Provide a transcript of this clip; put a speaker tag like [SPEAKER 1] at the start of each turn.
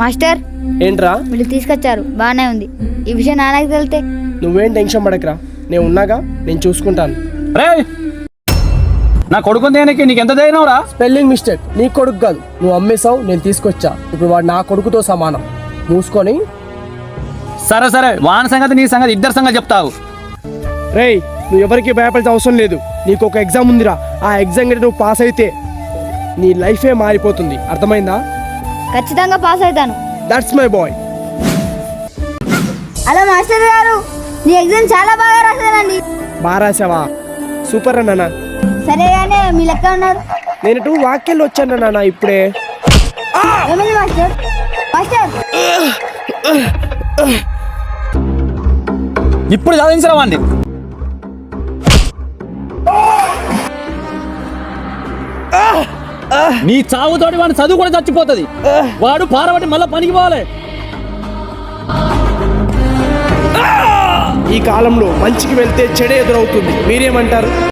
[SPEAKER 1] Master
[SPEAKER 2] ఏంట్రా?
[SPEAKER 1] వీళ్ళు తీసుకొచ్చారు, బాగానే ఉంది. ఈ విషయం నాన్నకి తెలితే?
[SPEAKER 2] నువ్వేం టెన్షన్ పడకరా, నేను ఉన్నాగా, నేను చూసుకుంటాను.
[SPEAKER 3] రే నా కొడుకుని దేనికి నీకు ఎంత ధైర్యం రా?
[SPEAKER 2] స్పెల్లింగ్ మిస్టేక్, నీ కొడుకు కాదు, నువ్వు అమ్మేశావు, నేను తీసుకొచ్చా. ఇప్పుడు వాడు నా కొడుకుతో సమానం. మూసుకొని.
[SPEAKER 3] సరే సరే, వాని సంగతి నీ సంగతి ఇద్దరు సంగతి చెప్తావు.
[SPEAKER 2] రేయ్, నువ్వు ఎవరికి భయపడాల్సిన అవసరం లేదు. నీకు ఒక ఎగ్జామ్ ఉందిరా, ఆ ఎగ్జామ్ కంటే నువ్వు పాస్ అయితే నీ లైఫే మారిపోతుంది. అర్థమైందా?
[SPEAKER 1] ఖచ్చితంగా పాస్ అవుతాను.
[SPEAKER 2] That's my boy.
[SPEAKER 1] Hello master garu, నీ ఎగ్జామ్ చాలా బాగా రాశానండి.
[SPEAKER 2] బాగా రాసావా? సూపర్ అన్న.
[SPEAKER 1] సరే కానీ మీ లెక్క ఉన్నారు.
[SPEAKER 2] నేను వాక్యాలు వచ్చాను నాన్న ఇప్పుడే.
[SPEAKER 1] ఏమైంది మాస్టర్? మాస్టర్
[SPEAKER 3] ఇప్పుడు చదివించరా వాడిని. నీ చావుతోటి వాడిని చదువు కూడా చచ్చిపోతుంది. వాడు పారబట్టి మళ్ళీ పనికి పోవాలి.
[SPEAKER 2] ఈ కాలంలో మంచికి వెళ్తే చెడే ఎదురవుతుంది. మీరేమంటారు?